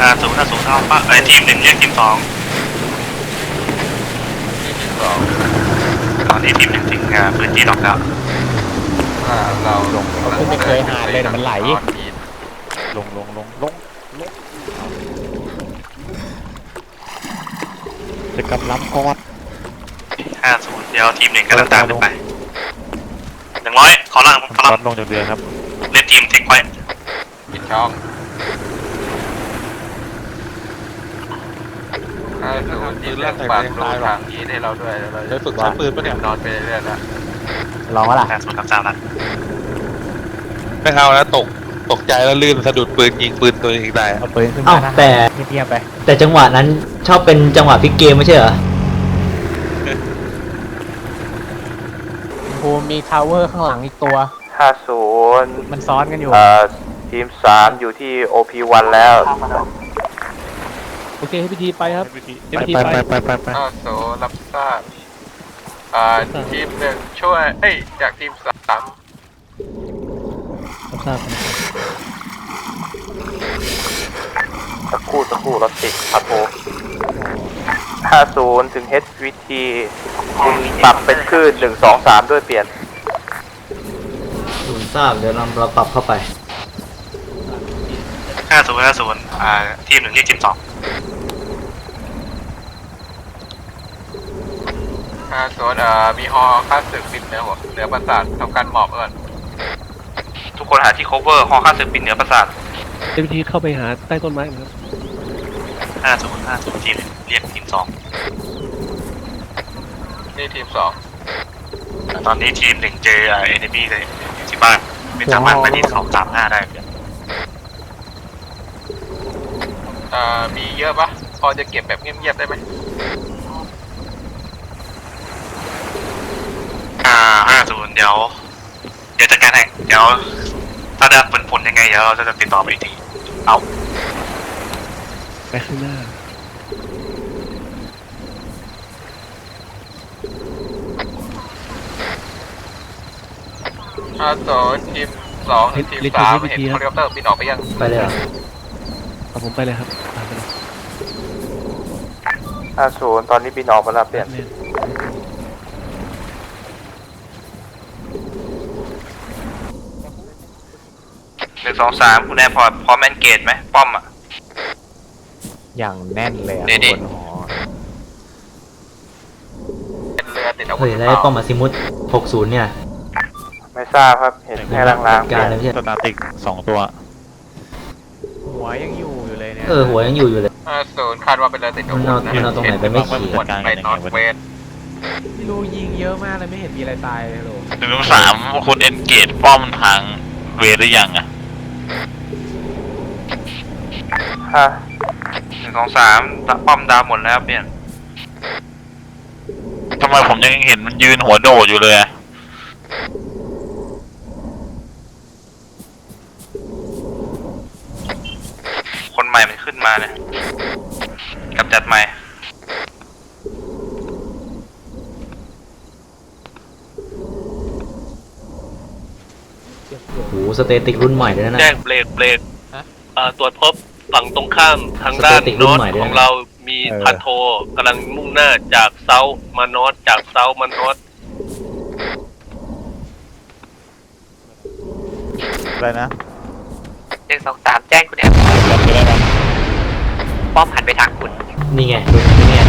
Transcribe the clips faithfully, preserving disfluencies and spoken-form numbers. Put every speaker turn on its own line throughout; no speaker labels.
ห้าศูนย์ห้าศูนย์เอาปะไอทีมหนึ่งเรียกทีมสอง
ทีมสอง
ตอนนี้ทีมหนึ่งถึงพื้นที่ล็อกแล้ว
เราลง
เขาไม่เคยหาเลยมันไหล
ลงลงลงลงลง
จะกำลังกอด
ห้าศูนย์เดี๋ยวทีมหนึ่งกำลังตามไปหนึ่งร้อยขอล่างขอล่าง
ลงจากเรือครับ
เล่นทีมเทคไว้
ปิดช่องห้าศูนย์ทีมเลือกปากดูทางนี้ให้เราด้วยเราจะฝึกใช้ปืนปะเนี่ยนอนไปเรื่อยๆแล้ว
ลองวะล่ะ
ห้าศูนย์กับเจ้าละ
ไม่เอาแล้วตกตกใจแล้วลื่นสะดุดปืนยิงปืนตัวเองได้
เอาปืนขึ้นมา
อ้าวแต่
เทียบไป
แต่จังหวะนั้นชอบเป็นจังหวะพลิกเกมไม่ใช่เหรอ
ภูมิมีทาวเวอร์ข้างหลังอีกตัว
ห้าศูนย์
มันซ้อนกันอยู่
เอ่อทีมสามอยู่ที่ โอ พี วัน แล้ว
โอเคให้พิธีไปครับไปไปไปไปไป
ห้าศูนย์รับทราบอ่าทีมหนึ่งช่วยเอ้ยจากทีมสาม
รับทราบ
สักครู่สักครู่รถติดครับโอห้าศูนย์ถึง เอช วี ที คุณปรับเป็นคลื่นหนึ่งสองสามด้วยเปลี่ยน
ศูนย์ทราบเดี๋ยวเราเราปรับเข้าไป
ห้าศูนย์ห้าศูนย์อ่าทีมหนึ่งเรียกทีมสอง
ห้าศูนย์อ่ามีฮอค่าศึกบินเหนือหัวเหนือปราสาททำการหมอบก่อน
ทุกคนหาที่ cover ฮอค่าศึกบินเหนือปราสาท
เจ้าหน้าที่เข้าไปหาใต้ต้นไม้ครับ
ห้าศูนย์ห้าศูนย์ทีมเรียกทีมสอง
นี่ทีมสอง
ตอนนี้ทีมหนึ่งเจอเอ็นบีเลยที่บ้านไม่สามารถไปที่สองสามห้าได้
อ่ามีเยอะปะพอจะเก็บแบบเงียบๆได้ไหม
อ่าห้าศูนย์เดี๋ยวเดี๋ยวจัดการให้เดี๋ยวถ้าได้ผลผลยังไงเดี๋ยวเราจะติดต่อไปอีกทีเอา
ไปข้างหน้า
ห้าศูนย์ทีมสองทีมสามเห็นเฮลิคอปเตอร์บินออกไปยัง
ไปเลยเหรอ
เอาผมไปเลยครับไปเลย
ห้าศูนย์ตอนนี้บินออกมาแล้วเปลี่ยนหนึ่งสองสามคุณแอร์พอร์ตพร้อมแมนเกตไหมป้อมอ่ะ
อย่างแน่นเลยอ่ะบนหอ
เป็นเรือติดอาวุธ
เฮ้ยแล้วป้อมมาซิมุตหกศูนย์เนี่ย
ไม่ทราบครับเห็นแค่ลางๆ
การเลยพี่
สตาร์ติกสองตัวหัวยังอยู่อยู่เลยเนี่ย
เออหัวยังอยู่อยู่เลย
ห้าศูนย์คาดว่าเป็นเรือติดอาวุธนะ
มันเอาตรงไหนไปไม่ขี่
ไปนอร์ทเวสต์
ไม่รู้ยิงเยอะมากเลยไม่เห็นมีอะไรตายเลยโห
หนึ่งสามคุณเอนเกตป้อมทางเวหรือยังอ่ะฮะหนึ่งสองสามป้อมดาวหมดแล้วเปลี่ยนทำไมผมยังเห็นมันยืนหัวโดดอยู่เลยคนใหม่มันขึ้นมาเนี่ยกับจัดใหม่
โอ้โหสเตติกรุ่นใหม่ด้วยนะ
แจ้งเบรกเบรกตรวจพบฝั่งตรงข้ามทางด้านโนอตของเรามีพันโทกำลังมุ่งหน้าจากเซาท์มานอตจากเซาท์มานอต
อะไรนะ
หนึ่งสองสามแจ้งคุณแอมป้อมหันไปทางคุณ
นี่ไงดูนี่ไง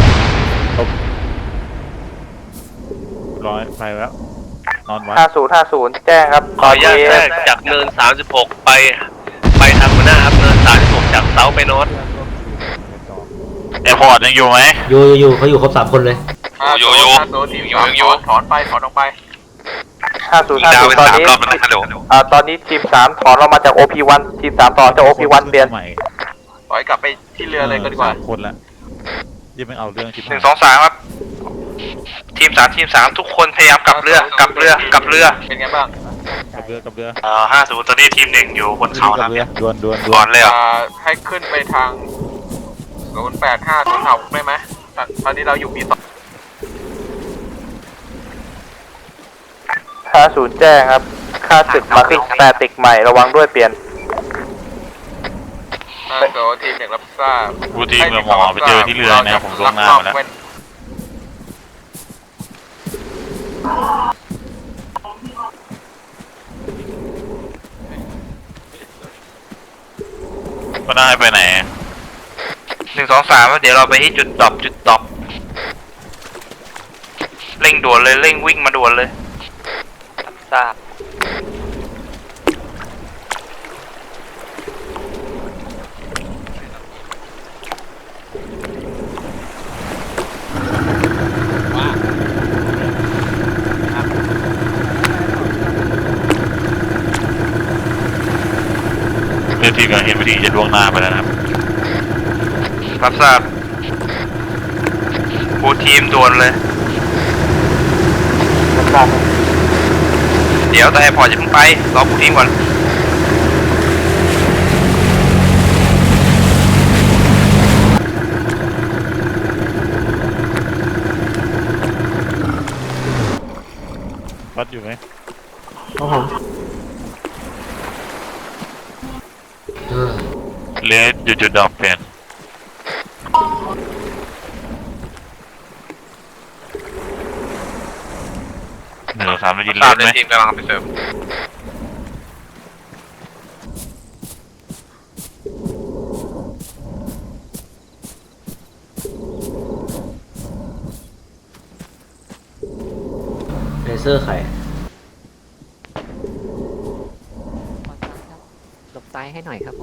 ร้อยไปแล้วนอนวัด
ห้าศูนย์ห้าศูนย์แจ้งครับ
ขออนุญาตแจ้งจากเนินสามสิบหกไปไปทางหน้าครับเนินสามสิบหกจากเซาท์ไปโนอต
แอร์พอร์ตยังอยู่ไหม
อยู่อยู่เขาอยู่ครบสามคนเลย
อยู่อยู่อยู่อยู่ถอนไปถอนออกไป
ห้าศูนย์ห้าศูนย์ตอนนี้อ่าตอนนี้ทีมสามถอนเรามาจาก โอ พี วัน ทีมสามต่อจาก โอ พี วัน เปลี่ยน
ปล่อยกลับไปที่เรือเลยก็ดีกว่า
คนละยิ่งไม่เอาเรื่องทีม
หนึ่งสองสามครับทีมสามทีมสามทุกคนพยายามกลับเรือกลับเรือกลับเรือ
เป็นไงบ้าง
กับเรือกับเรือ
อ่าห้าศูนย์ตอนนี้ทีมหนึ่งอยู่บนเขาแล้วเนี่ย
ดวนดวนด
วนเลยอ่ะ
ให้ขึ้นไปทางศูนย์แปดห้าศูนย์เขาได้ไหมตอนนี้เราอยู่ปีสอง
ห้าศูนย์แจ้งครับค่าศึกมาขึ้นสแตติกใหม่ระวังด้วยเปลี่ยน
โซทีมหนึ่งรับทราบ
บูทีมกับหมอไปเจอที่เรือนะผมล่วงหน้ามาแล้ว ก็ได้ไปไหนหนึ่งสองสามเดี๋ยวเราไปที่จุดดรอปจุดดรอปเร่งด่วนเลยเร่งวิ่งมาด่วนเลยทราบเพื่อที่การเห็นวิธีจะล่วงหน้าไปแล้วนะครับรับทราบบูทีมด่วนเลยรับทราบเดี๋ยวแต่พอจะเพิ่งไปรอบูทีมก่อนวัดอยู่ไหมครับผม เลสจุดจุดดอกเปลี่ยนหนึ่งสามได้ยินเลสไหมทีมกำลังไปเสริม
เลเซอร์ไข่
หลบซ้ายให้หน่อยครับ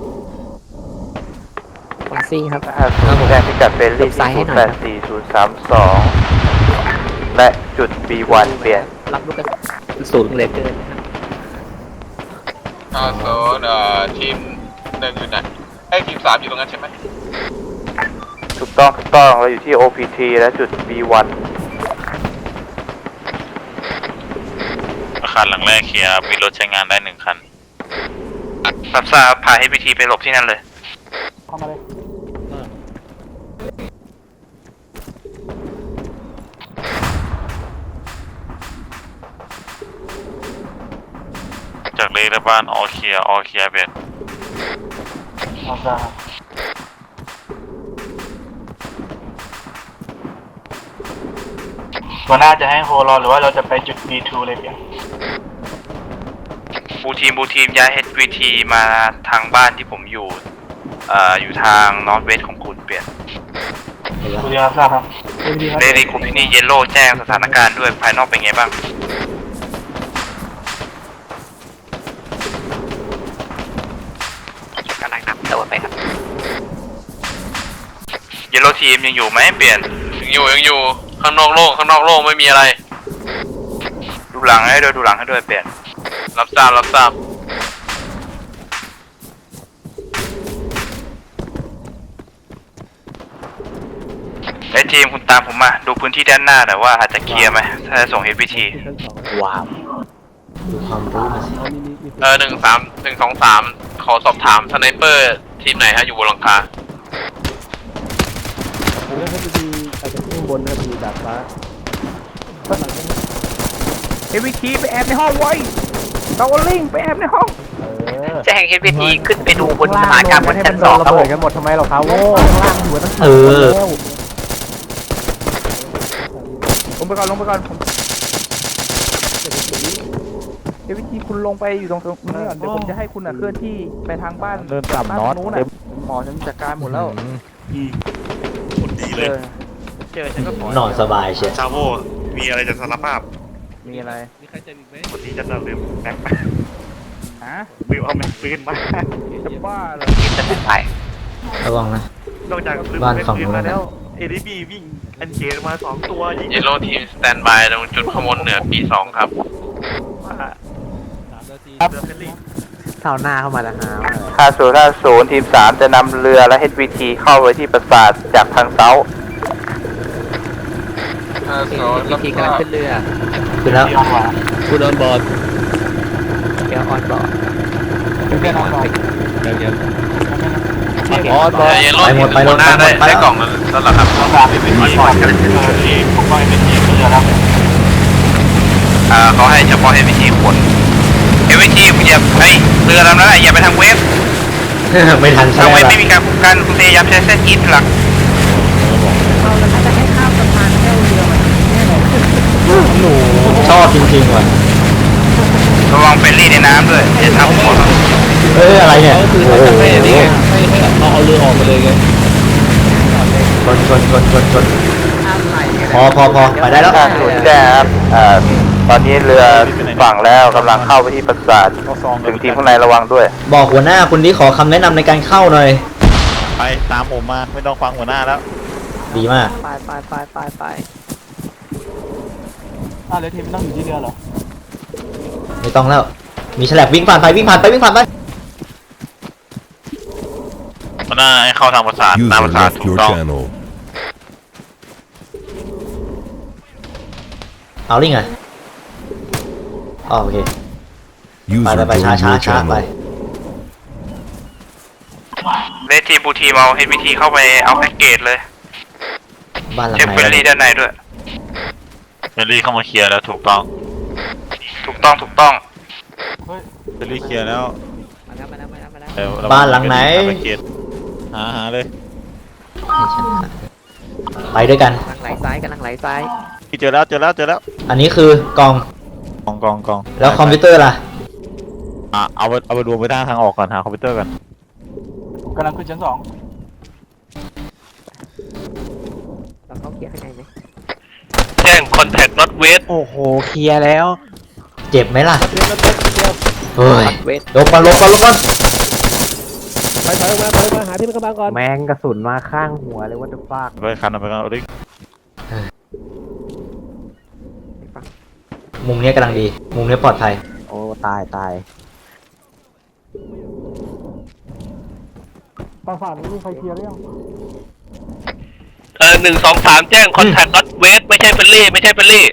ฟอนซี่ครับ
ห้าศูนย์แจ้งพิกัดเบลลี่
ซ้ายให้
ศูน
หน่อย
ย์แปดสี่ศูนย์สามสองและจุด บี วัน เปลี่ยน
รับลูกกระสุนสูงเหลือเกินนะครับ
ห้าโซนเอ่อทีมหนึ่งอยู่ไหนไอ้ยทีมสามอยู่ตรงนั้นใช่ไหม
ถูกต้องถูกต้องเราอยู่ที่ โอ พี ที และจุด บี วัน
อาคารหลังแรกเคลียร์มีรถใช้งานได้หนึ่งคันรับทราบพาให้พิธีไปหลบที่นั่นเลยเข้ามาเลยจากเลและบ้านออเคลียร์ออเคลียร์เบ็ดตัวหน้าจะให้โฮรอหรือว่าเราจะไปจุด บี ทู เลยเพียงบูทีมบูทีมย้าย เอช วี ที มาทางบ้านที่ผมอยู่เอ่ออยู่ทางนอร์ทเวสของคุณเปลี่ยน
เห็นแล้ว
เรียนทราบครับเรดี้คุมที่นี่เยลโล่แจ้งสถานการณ์ด้วยภายนอกเป็นไงบ้างกำลังนำตัวไปครับเยลโล่ทีมยังอยู่ไหมเปลี่ยนยังอยู่ยังอยู่ข้างนอกโล่งข้างนอกโล่งไม่มีอะไรดูหลังให้ด้วยดูหลังให้ด้วยเปลี่ยนรับทราบรับทราบไอทีมคุณตามผมมาดูพื้นที่ด้านหน้าหน่อยว่าอาจจะเคลียร์ไหมถ้าจะส่ง เอช วี ที
ว้าว
ดูความรู้มาสิ
เออหนึ่งสามหนึ่งสองสามขอสอบถามสไนเปอร์ทีมไหนฮะอยู่บนหลังคา
ผมเลือกให้ไปดีอาจจะขึ้นบนนะไปดีดาดฟ้า
เอวีทีไปแอบในห้องไว้ตาวลิงไปแอบในห้อง
แจ้ง เอช วี ที ขึ้นไปดูบนสถานการณ์บนชั้นสองครับผม
กันหมดทำไมเราเขาโง่ข้างล่างหัวตั้ง
เออ
ลงไปก่อนลงไปก่อนผมเอวีทีคุณลงไปอยู่ตรงตรงนี้ก่อนเดี๋ยวผมจะให้คุณอ่ะเคลื่อนที่ไปทางบ้าน
เดินต่ำน็อต
บ้านู้นน่ะหมอฉันจัดการหมดแล้ว
คนดีเลย
เจอฉันก็ขอน
อนสบายเชียว
ชาโวมีอะไรจะสารภาพ
มีอะไร
วันนี้จะลืมแม็ก
ฮะ
ลืมเอาแม็กปืนมา
จะบ้าเหรอ
จะขึ้นไป
ระวังนะ
นอกจากลืม
บ้าน
แม็ก
ฝั่ง
ปืน
นู้น
มา
นะ
แล้วเอดีบีวิ่งอันเจมาสองตัวยิง
เยลโล่ทีมสแตนบายตรงจุดขมวลเหนือปีสองครับ
เรือเฟลลี่
เท้าหน้าเข้ามาแล้วฮะ
ห้าศูนย์ห้าศูนย์ทีมสามจะนำเรือและ เอช วี ที เข้าไปที่ปราสาทจากทางเซาท์
ห้า
เอ
โซน
ช วี ทีกำลังขึ้นเรือ
คือแล้ว
คุณออนบอร์ดเกียวออนบอร์ดเกียวออนบอร์ดเกียวออนบอร์ด
เยลโล่ทีมบนหน้าได้ได้กล่องแล้วแล้วเหรอครับ
อ่าเขาให้เฉพาะเอวีทีขนเอวีทีอย่าไอเรือลำนั้นอย่าไปทางเวฟ
ไม่ทันใช่
ทำ
ไห
ไม
ม
ไม่มีการคุ้มกันคุณพยายามใช้เส้นอีทหลัก
ชอบจริงๆว่ะ
ระวังเฟรนลี่ในน้ำด้วยอย่าทำหัว
เอ้ยอะไรเนี่ย
ก็คือ
โอ้
เขา
โห
จะไม่นี่ไงไม่ให้เราเอาเรือออกไปเลยไง
ชนชนชนชนชนพอพอพอไปได้แล้ว
ห้าศูนย์แจ้งครับอ่าตอนนี้เรือฝั่งแล้วกำลังเข้าไปที่ปราสาท
เอาซอง
ถึงทีมข้างในระวังด้วย
บอกหัวหน้าคุณที่ขอคำแนะนำในการเข้าหน่อย
ไปตามผมมาไม่ต้องฟังหัวหน้าแล้ว
ดีมาก
ไปไปไปไปไป
อ้าวแล้วทีมต้องอยู่ที่เรือเหรอ
ไม่ต้องแล้ว มีฉลับวิ่งผ่านไปวิ่งผ่านไปวิ่งผ่านไป
หัวหน้าให้เข้าทางปราสาทหน้าป
User
ราสาท
left
ถูก
your
ต้อง
channel.
เอาลิงอ่ะอ๋อโอเค ไป
User
ไปไปช้า
joined
ช้า
your
ช้าไป
channel.
เลทีบูทีมเอาเฮดวีทีเข้าไปเอาแพ็กเกจเลย
บ้านหลัง
เช็ค
ไหน
เฟรนลี่ด้านในด้วยเฟรนลี่เข้ามาเคลียร์แล้วถูกต้อง ถูกต้องถูกต้อง
เฟรนลี่เคลียร์แล้ว
มาแล้วมาแล้วมาแล้วมาแล้ว
เดี๋ยวเร
บ้านหลังไหน
ปเกตหาหาเลย
ไปด้วยกัน
กำลังไหลซ้ายกำลังไหลซ้าย
เจอแล้วเจอแล้วเจอแล้ว
อันนี้คือกล่อง
กองกองกอง
แล้วคอมพิวเตอร์ล่ะ
อ่ะเอาไปเอาไปรวมไปทางทางออกก่อนหาคอมพิวเตอร์ก่อน
กำลังขึ้นชั้นสอง
เราเข้าเกียร์ข้างในไหม
แจ้ง contact not west
โอ้โหเคลียร์แล้ว
เจ็บไหมล่ะเฮ้ย
เวท
ลบก่อนลบก่อนลบก่อน
ไปถอยออกมาถอยออกมาหาที่มันกำบังก่อน
แมงกระสุนมาข้างหัวเลยว่าจะฟาก
ไปคันเอาไปกันเอาดิ
มุมเนี้ยกำลังดี มุมเนี้ยปลอดภัย
โอ้ตายตายปราสาทนี้มีใครเคลียร์หรือยัง
เออหนึ่งสองสามแจ้ง contact not west ไม่ใช่เฟรนลี่ไม่ใช่เฟรนลี่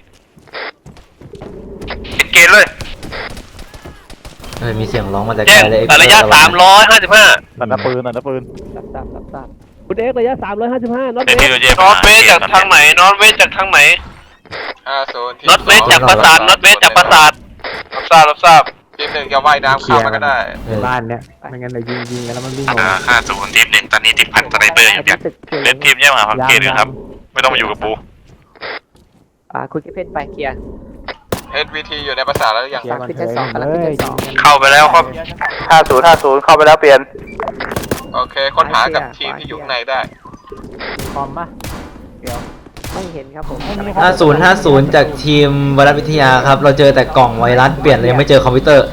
ติดเกณฑ์เลย
เฮ้ยมีเสียงร้องมาแต่ไก
แจ้
ล
ง
เลย
ระยะสามร้อยห้าสิบห้า
ตัดหน้าปืนตัดหน้าปืน
ตับตับตับตับ
คุณเอ็กซ์ระยะสามร้อยห้าสิบห้าน็อต
เดี๋ยว
เว
ที่
ส
เราเจ
นอตเวสจากทางไหนนอตเวสจากทางไหน
ห้าศูนย์ทีม
นอตเวสจากปราสาทนอตเวสจากปราสาท
รับทราบรับทราบ
ทีมหนึ่งจะว่ายน้ำเข้ามาก็ได้
เออ
บ้านเนี้ยไม่งั้นเรายิงยิงกันแล้วมันวิ่งออก
อ่า
มา
ห้าศูนย์ทีมหนึ่งตอนนี้ติดพันสไนเปอร์อยู่เนี่ย
ตึกเกียร์
เลนทีมแยกมาพักเกตนะครับ ไม่ต้องมาอยู่กับปู
อ่าคุณเก็บเพชรไปเกียร์
เอส วี ที อยู่ในภาษาทแล้วหรือยัง
เคลียร์มัน
ขึ้น
เถ
ชั้น
อะ
สองกำลังขึ้นชั้นสอง
เข้าไปแล้วครับ
ห้าศูนย์ห้าศูนย์เข้าไปแล้วเปลี่ยน
โอเค ค้นหากับทีมที่อยู่ข้างในได้
คอมปะเดี๋ยว
ไม่เห็นครับผม
ห้าศูนย์ห้าศูนย์จากทีมไวรัสวิทยาครับ เราเจอแต่กล่องไวรัสเปลี่ยนเลยยังไม่เจอคอมพิวเตอร์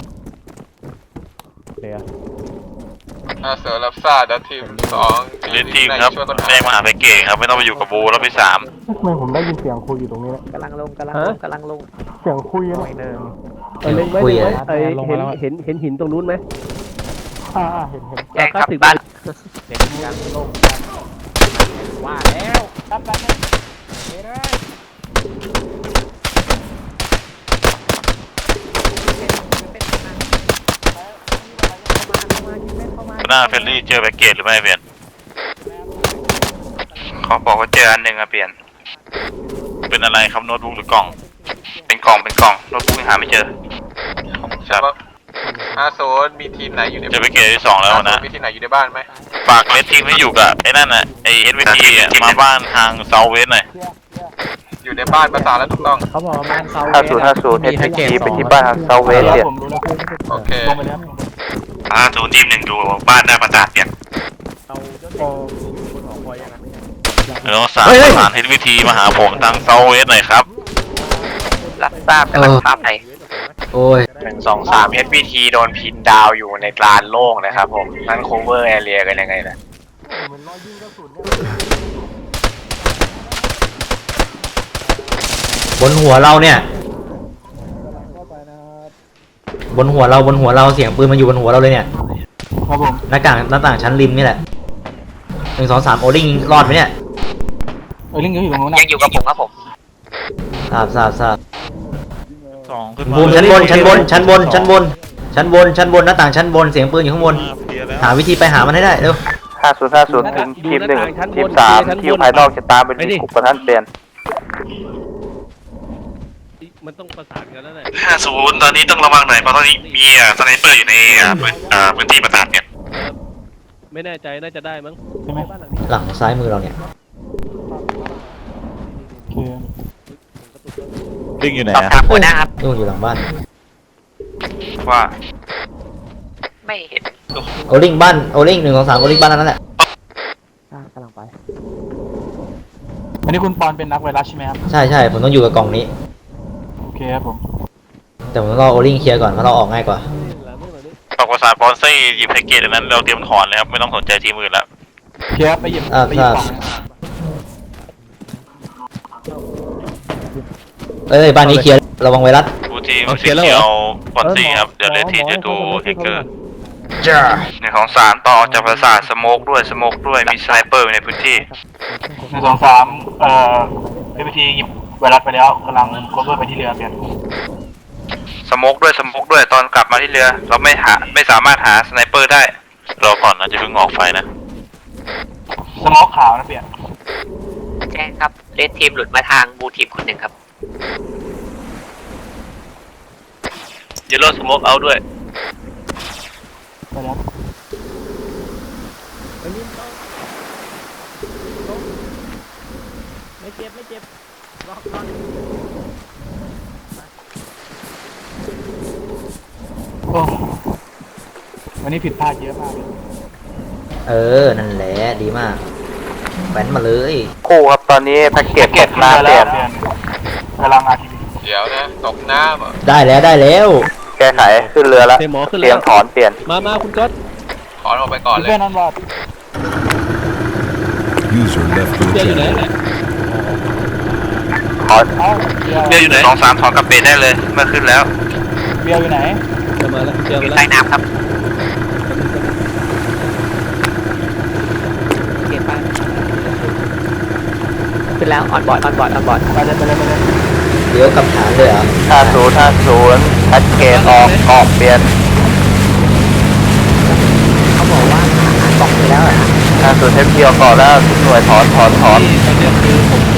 เคลียร์
ห้าศูนย์รับทราบแล้วทีมสอง
เลนทีมครับ
ช่วยค้นหา
แจ้งมาหาแพ็กเกจครับ ไม่ต้องมาอยู่กับบูรอบที่สาม
ทำไมผมได้ยินเสียงคุยอยู่ตรงนี้เนี่ย
กำลังลงกำลังลงกำลังลง
เสียงคุย
ห
นะ
น่อยหนึ่ง
เออเล็งไว้
คุย
เล็ง
อะ
ไว้เอ้ยเห็นเห็นเห็นหินตรงนู้นไหม
อ่าอ่าเห็นเห็น
แจ้งครับ
สิบ
บ้าน
เสียงกลางลง
ว่าแล้วรับไปเลย
หน้าเฟรนลี่เจอแพ็กเกจหรือไม่เปลี่ยนขอบอกว่าเจออันหนึ่งอะเปลี่ยน เป็นอะไรครับโน้ตบุ๊กหรือกล่อง เป็นกล่องเป็นกล่องโน้ตบุ๊กยังหาไม่เจอครับ
ห้าศูนย์มีทีมไหนอยู่ใน
เจอแพ็กเกจที่สองแล้วนะ
มีทีมไหนอยู่ในบ้านไหม
ฝากเลนทีมให้อยู่กับไอ้นั่นน่ะไอ้เฮดวีทีมาบ้านทางเซาเวสหน่อย
อยู่ในบ้านภาษาทแล้วถูกต้อง
เขาบอกว่าบ้านเขา
ห้าศูนย์ห้าศูนย์เอสพีไปที่บ้านทางเซาเวสเนี่ย
ผมรู้แล้ว
โอเค
ลงไปแล้ว
ห้าศูนย์ทีมหนึ่งดูบ้านหน้าประสาทเปลี่ยน
โอ้
แล้วสามประสานเฮดวีทีมาหาผมทางเซาเวสหน่อยครับ
รับทราบกำลังทราบไป
โอ้ย
หนึ่งสองสาม เอช วี ที โดนพินดาวอยู่ในลานโล่งนะครับผมนั่น cover area กันยังไงนะ
เหมือนรอยยิงกระสุนเนี่ย
บนหัวเราเนี่ย บนหัวเราบนหัวเราเสียงปืนมันอยู่บนหัวเราเลยเนี่ย
ครับผม
หน้าต่างหน้าต่างชั้นริมนี่แหละหนึ่งสองสามโอลิงรอดไหมเนี่ย
เออลิงก็อยู่ตรงนู้นนะ
ยังอยู่กับผมครับผม
ทราบทราบทราบ
สองขึ้นมา
บูมชั้นบนชั้นบนชั้นบนชั้นบนชั้นบนชั้นบนหน้าต่างชั้นบนเสียงปืนอยู่ข้างบน
เคลียร์แล้ว
หาวิธีไปหามันให้ได้เร็ว
ห้าศูนย์ห้าศูนย์ถึงทีมหนึ่งทีมสามที่อยู่ภายนอกจะตามไปที่กลุ่มประท่านเปลี่ยน
มันต้องประสานกันแล้วแหละ
ห้าศูนย์ตอนนี้ต้องระวังหน่อยเพราะตอนนี้มีอ่ะสไนเปอร์อยู่ในอ่าพื้นอ่าพื้นที่ประสาทเนี่ย
เ
ไม่แน่ใจน่าจะได้มั้ง
ใช่ไหม
หลังซ้ายมือเราเนี่ย
คือ
ลิงอยู่ไหน
สอบ
อะ
ถามหัวหน้าครับ
นู่นอยู่หลังบ้าน
ว่า
ไม่เห็น
โอลิงบ้านโอลิงหนึ่งสองสามโอลิงบ้านนั้นแหละ
กำลังไป
อันนี้คุณปอนเป็นนักไวรัสใช่ไหมครับ
ใช่ใช่ผมต้องอยู่กับกล่องนี้
โอเคครับผม
แต่ผมต้องรอโอลิงเคลียร์ก่อนเพราะเราออกง่ายกว่า
ฝากประสานปอนซี่หยิบแพ็กเกจอันนั้นเราเตรียมถอนเลยครับไม่ต้องสนใจทีมอื่นแล้ว
โอเคครับไปหยิบ
อ่า
ไปหยิบ
ครับ
กล่อง
เอ้ยบ้านนี้เคลียร์ระวังไวรัส
ดูทีมสีเขียวปอนซี่ครับเดี๋ยวเลทีจะดูเฮกเกอร์
จ้า
หนึ่งของสามต่อจากประสาทสโมกด้วยสโมกด้วยมีสไนเปอร์อยู่ในพื้นที่
หนึ่งสองสามเอ่อเอพีทีหยิบไวรัสไปแล้วกำลังโคเวอร์ไปที่เรือเปลี่ยน
สโมกด้วยสโมกด้วยตอนกลับมาที่เรือ เราไม่หาไม่สามารถหาสไนเปอร์ได้รอก่อนนะจะเพิ่งออกไฟนะ
สมอขาวนะเปลี่ยน
แจ้งครับเลดทีมหลุดมาทางบูทีมคนหนึ่งครับ
เยลโล่สโมกเอาด้วย
ไปแล้ว
ไม่เจ็บไม่เจ็บรอรอ
โอ้วันนี้ผิดพลาดเยอะมากเลย
เออนั่นแหละดีมากแหวนมาเลย
คู่ครับตอนนี้แพ็กเกจตกน้ำเปลี่ยน
เปลี่ยนกำลังอาทีวี
เดี๋ยวนะตกน้ำเหรอ
ได้แล้วได้แล้ว
แก้ไขขึ้นเรือแล้ว
เตหมอขึ้น
เตรี
แล้
ยว มถอนเปลี่ยน
มามาคุณก๊อต
ถอนออกไปก่อนเลย
เพื่อนนั่นบอด
User left
เบียร์อยู่ไหน
your
ถอน
เอ้าเบียร์
เบียร์อยู่ไหน
สองสามถอนกระเบนได้เลยเมื่อขึ้นแล้ว
เบียร์อยู่ไหน
จะมาแล้วเบียร์
อ
มา
ยู่
แล้ว
ใต้น้ำครับ
เก็บไปขึ้นแล้วออนบอร์ดออนบอร์ดออนบอร์ด
ไปเลยไปเลยไปเลย
เดี๋ยวกลับฐานเลยเหรอ
ห้าศูนย์ห้าศูนย์แพ็กเกจออกออกเปลี่ยน
เขาบอกว่าหากล่องไปแล้วเหรอฮะ
ห้าศูนย์เทปเดียวก่อนแล้วทุกหน่วยถอนถอนถอน
ตอนนี้คือผม